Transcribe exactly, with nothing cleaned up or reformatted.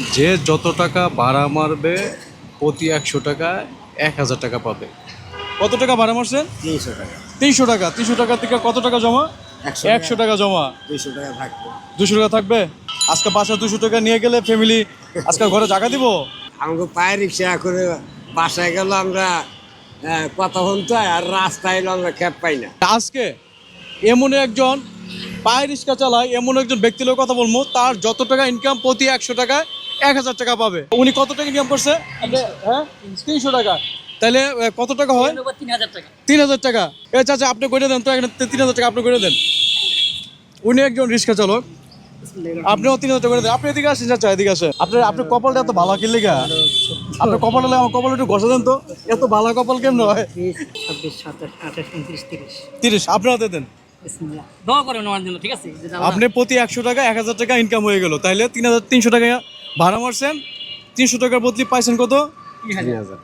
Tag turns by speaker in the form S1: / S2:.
S1: যে যত টাকা ভাড়া মারবে প্রতি একশো টাকায় এক হাজার টাকা পাবে। কত টাকা ভাড়া মারছেন?
S2: তিনশো টাকা।
S1: তিনশো টাকা। তিনশো টাকা থেকে কত টাকা জমা?
S2: একশো
S1: একশো টাকা জমা।
S2: দুইশো টাকা থাকবে।
S1: দুশো টাকা থাকবে। আজকে বাসা দুশো টাকা নিয়ে গেলে ফ্যামিলি আজকে ঘরে জায়গা দিব।
S2: আমাকে পায়ে রিক্সা করে বাসায় গেল আমরা আহ, কথা শুনতে হয়, আর রাস্তায় এলো আমরা ক্যাব পাই না।
S1: আজকে এমন একজন পায়ে রিক্সা চালায়, এমন একজন ব্যক্তির লোক কথা বলবো, তার যত টাকা ইনকাম প্রতি একশো টাকায় এক হাজার টাকা পাবে। উনি কত টাকা ইনকাম করছে? হ্যাঁ, তিনশো টাকা। তাহলে আহ, কত টাকা হয়?
S3: তিন হাজার টাকা।
S1: তিন হাজার টাকা। এ চাচা আপনি করে দেন তো, এখানে তিন হাজার টাকা আপনি করে দেন। উনি একজন রিক্সা চালক, আপনিও তিন হাজার টাকা করে দেন। আপনি এদিকে আসেন চাচা, এদিকে আসেন। আপনার আপনার কপালটা এত ভালো কি লেগা? আপনার কপালটা আমার কপাল একটু ঘষে দেন তো। এত ভালো কপাল কেমন হয়?
S3: ছাব্বিশ, সাতাশ, আঠাশ, উনত্রিশ, তিরিশ।
S1: তিরিশ আপনার হাতে দেন।
S3: বিসমিল্লাহ। দোয়া করেন আমার জন্য, ঠিক আছে? যে আল্লাহ-
S1: আপনি প্রতি একশো টাকা এক হাজার টাকা ইনকাম হয়ে গেল। তাইলে তিন হাজার তিনশো টাকা ভাড়া মারছেন, তিনশো টাকার বদলি পাইছেন কত?
S3: তিন হাজার।